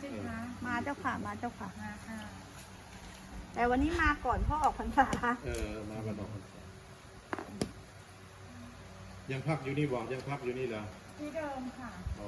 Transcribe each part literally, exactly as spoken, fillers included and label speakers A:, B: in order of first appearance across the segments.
A: ช่ไหมคะ
B: มาเจ้าค่ะมาเจ้าค่ะ
A: มาค่ะ
B: แต่วันนี้มาก่อนพ่อออกพรรษา
C: เออมาวันออกพรรษายังพักอยู่นี่บอกยังพักอยู่นี่เหรอ
A: ที่เดิมค่ะ
C: อ๋อ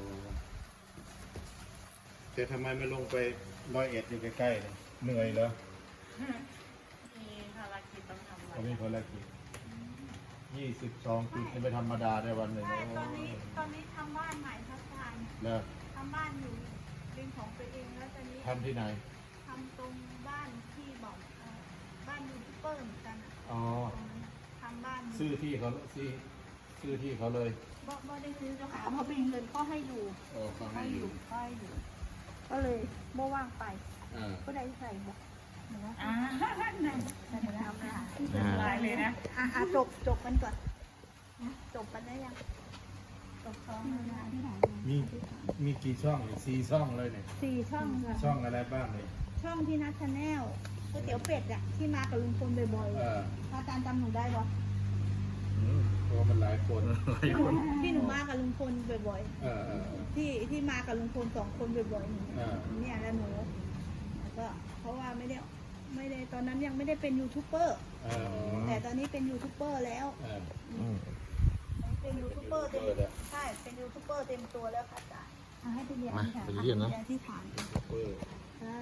C: แต่ทำไมไม่ลงไปร้อยเอ็ดอยู่ใกล้ๆเลยเหนื่อยเหรอ
A: มีภารกิจต้องทำ
C: เขามีภารกิจยี่สิบสองปีไม่ธรรมดาได้วันหนึ่ง
B: ใช่
C: โอ้
B: ตอนนี้
C: ย
B: ตอนนี้ทำบ้านใหม่พัฒนา
C: แล้ว
B: ทำบ้านอยู่เป็นของตัวเองแล้วตอนนี้
C: ทำที่ไหน
B: ทำตรงบ้านที่บอกเอ่อบ้านยูทูบเบอร์เหมือนกันอะ
C: อ๋อ
B: ตรงนั้นทำบ้าน
C: ซื้อที่เขาซื้อซื้อที่เขาเลย
B: บ่บ่ได้ซื้อเจ้าค่ะเพราะเป็นเงินพ่อให้อยู่
C: โอ้เขาให้อยู่
B: พ่อให้อยู่ ก็เลยโม่ว่างไป
C: อ่า
B: ก็ได้ใส่บอก
A: อ่านั่นนั่นแล้วค่ะลายเลยนะ
B: อ่ะอ่ะจบจบกันก่อนนะจบกันได้ยังจบช่องเวลาที่ไหน
C: มีมีกี่ช่องเนี่ยสี่ช่องเลยเนี่ย
B: สี่ช่องค่ะ
C: ช่องอะไรบ้างเนี่ย
B: ช่องที่นัทชาแนลก๋วยเตี๋ยวเป็ดอะที่มากับลุงพลบ่อย
C: เออ
B: ๆอาจารย์จำหนูได้ปะ
C: อืมเพราะว่ามันหลายคน
B: ที่หนูมากับลุงพลบ่อย
C: เออเออเออ
B: ๆที่ที่มากับลุงพลสองคนบ่อยๆหนู
C: อ่า
B: เนี่ยแล้วหนูแล้วก็เพราะว่าไม่ได้ไม่ได้ตอนนั้นยังไม่ได้เป็นยูทูบเบอร์
C: เอออ๋อ
B: แต่ตอนนี้เป็นยูทูบเบอร์แล้ว
C: เออ
B: เป็นยูทูบเบอร์เต็ม
C: ยูทูบเบอร์แล้ว
B: ใช่เป็นยูทูบเบอร์เต็มตัวแล้วค่ะอาจารย์เอาให้ไปเรียน
D: มา
B: ค่ะ
D: ไปเรียนนะ
B: ที่ฐาน
C: เออ
B: ใช่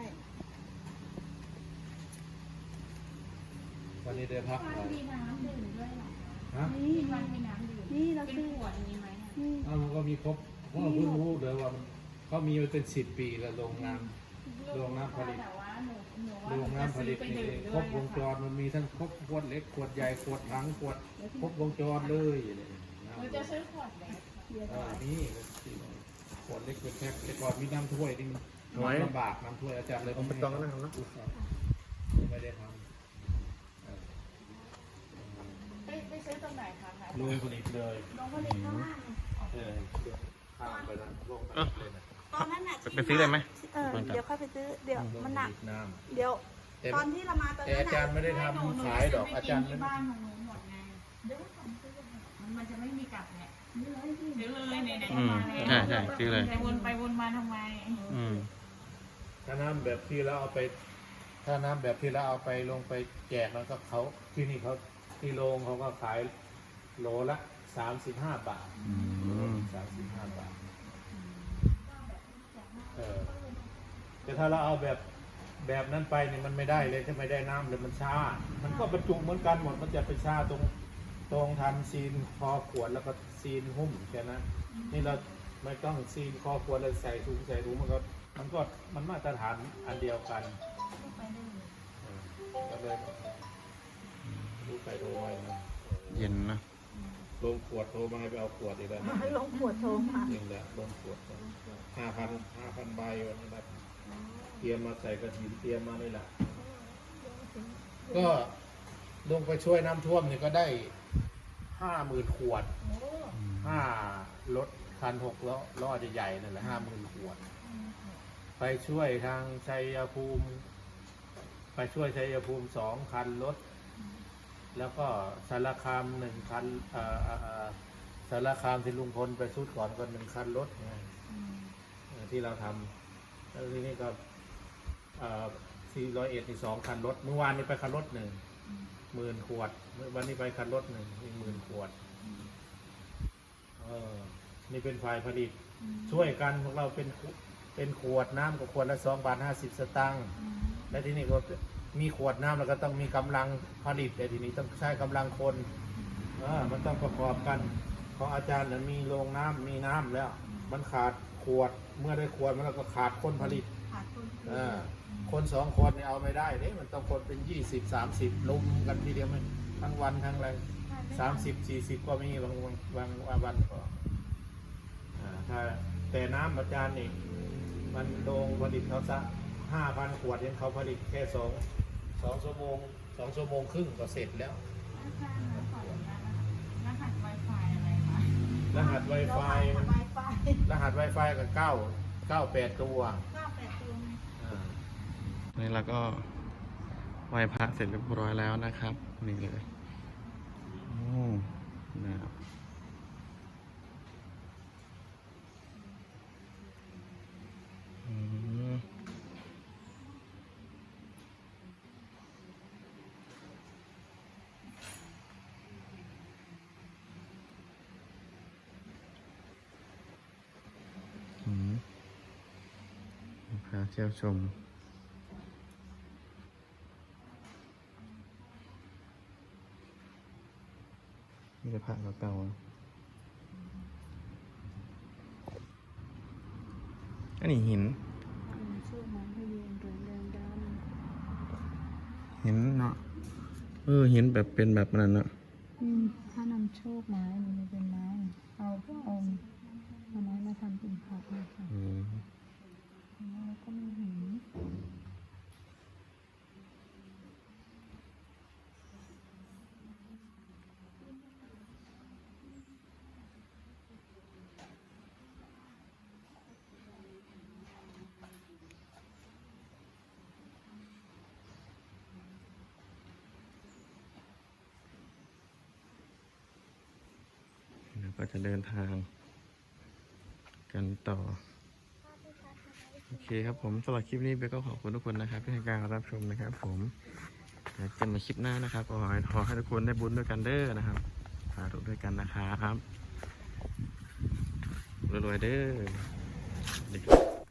C: วันนี้ได้พักหน่อย
A: มีน้ำดื่มด้วยเหรอ
C: ฮะ
B: นี่
A: ที่บ้านมีน้ำดื่ม
B: นี่เรา
A: เป็น
B: ซื้อ
A: ขวดนี้ไหมอะ
B: นี่
C: อ้าวมันก็มีครบเพราะเราเพิ่งรู้เลยว่ามันเขามีมาเป็นสิบปีแล้วโรงงาน โรงน้ำผลิต
A: แต่ว่าหนูหนูว่า
C: โรง
A: หนู
C: น้ำผ
A: จะซื้
C: ลิ
A: อ
C: ต
A: ไป
C: นี่
A: ดื่ม
C: ค
A: ด้
C: ร
A: วย
C: บวงจรมันมีทั้งครบขวดเล็กขวดใหญ่ขวดถังขวดครบวงจรเลยเนี่ย
A: หนูจะซื้อขวดเล็ก
B: เดี๋ยว
C: อ่านี่ขวดเล็กเป็นแพ็คแต่ก่อนมีน้ำถ้วยนี่มัน
D: ไว้
C: ลำบากน้ำถ้วยอาจารย์เลย
D: ผมไปต้องนะครับนะ
C: ไม่ได้ทำเออ
A: ไปไปซื้อตรงไหนคะคะ
C: ลุยผลิตเลย
B: น้องผลิตข้างล่างเนี่ย
C: เออข้ามไปนะลงไปเลยนะ
B: ตอนนั้นน่ะ
D: ไปซื้อได้ไหม
B: เออเดี๋ยวค่อยไปซื้อเดี๋ยวมันหนัก
C: น้
B: เดี๋ยว
C: ำแต่
B: ตอนที่เรามาตอน
C: แต่
B: นั้น
C: อาจารย์
B: น่ะ
C: ไม่ได้ทำขายดอกอาจารย์
A: ที่บ้านของหนูหมดไงเดี๋ยวทำซื้อมันมันจะไม่มีกลับเนี่ยซื้อเลยเนี่ยเนี่ย
D: อืมใช่ใช่ซื้อเลย
A: จะวนไปวนมาทำไม
D: อืม
C: ถ้าน้ำแบบที่เราเอาไป ถ้าน้ำแบบที่เราเอาไปลงไปแจกแล้วก็เขาที่นี่เขาที่โรงเขาก็ขายโลละสามสิบห้าบาท
D: อืม
C: สามสิบห้าบาทเออแต่ถ้าเราเอาแบบแบบนั้นไปเนี่ยมันไม่ได้เลยถ้าไม่ได้น้ำเลยมันช้า มันก็บรรจุเหมือนกันหมดมันจะไปช้าตรงตรงทันซีนคอขวดแล้วก็ซีนหุ้มแค่นั้นนี่เราไม่ต้องซีนคอขวดเลยใส่ถุงใส่ถุงมันก็มันก็มันมาตรฐานอันเดียวกันเออก็เลยดูไปดูไปนะ
D: เย็นนะ
C: ลงขวดโทรมาให้ไปเอาขวดอีกแล้วนะ
B: ลงขวดโทรมา
C: จริงแหละลงขวดห้าพันห้าพันใบวันนี้นะเตรียมมาใส่กระถินเตรียมมานี่แหละก็ลงไปช่วยน้ำท่วมเนี่ยก็ได้ห้าหมื่นขวดห้ารถคันหกล้อล้อใหญ่ๆนั่นแหละห้าหมื่นขวด ไปช่วยทางชัยภูมิ ไปช่วยชัยภูมิสองคันรถ แล้วก็สารคามหนึ่งคันเอ่อเอ่อเอ่อสารคามที่ลุงพลไปสุดก่อนก็หนึ่งคันรถไงเอ่อที่เราทำแล้วทีนี้ก็สี่ร้อยเอ็ดที่สองคันรถ เมื่อวานนี้ไปคันรถหนึ่งหมื่นขวดเมื่อวันนี้ไปคันรถหนึ่งอีกหมื่นขวดเออนี่เป็นฝ่ายผลิต ช่วยกันพวกเราเป็นเป็นขวดน้ำกับขวดละสองบาทห้าสิบสตางค์และที่นี่ก็มีขวดน้ำแล้วก็ต้องมีกำลังผลิตแต่ทีนี้ต้องใช้กำลังคนเออมันต้องประกอบกันของอาจารย์นั้นมีโรงน้ำมีน้ำแล้ว มันขาดขวดเมื่อได้ขวดมันก็ขาดคนผลิต
B: ขาดคน
C: เออคนสองคนเนี่ยเอาไม่ได้เนี่ยมันต้องคนเป็นยี่สิบสามสิบลุมกันทีเดียวมันทั้งวันทั้งอะไรสามสิบสี่สิบก็มีบางวันบางวันก็อ่าถ้าแต่น้ำอาจารย์นี่มันโรงผลิตเขาสักห้าพันขวดยังเขาผลิตแค่สองสองชั่วโมงสองชั่วโมงครึ่งก็เสร็จแล้ว
A: อาจารย์ขออนุญาตนะคะรหัส Wi-Fi อะไรคะ
C: รหัส Wi-Fi
B: ไว
C: มัน
B: ไฟ
C: รหัส Wi-Fi กับเก้าเก้าแปดตัว
B: เก้าแปดตัวไง
C: อ่า
D: นี่เราก็ไหว้พระเสร็จเรียบร้อยแล้วนะครับ นี่เลยโอ้นะครับอืมเที่ยวชมนี่จะพระเก่าๆอันนี้หิน
B: ชื่อมันให้เรียนเรื่องเดิมด
D: หินเนาะเออหินแบบเป็นแบบนั้นเนาะ
B: ำอืมถ้านำโชคไม้มันเป็นไม้เอาเอาเอาไม้มาทำเป็นผักนะคะ
D: อืม
B: แล้วก็มีหิน
D: แล้วก็จะเดินทาง กันต่อ โอเคครับผมสำหรับคลิปนี้เบลก็ขอบคุณทุกคนนะครับที่ให้การรับชมนะครับ ผมแล้วเจอกันใหม่คลิปหน้านะครับขอให้ขอให้ทุกคนได้บุญด้วยกันเด้อนะครับสาธุด้วยกันนะครับรวยๆเด้อสวัสดีครับ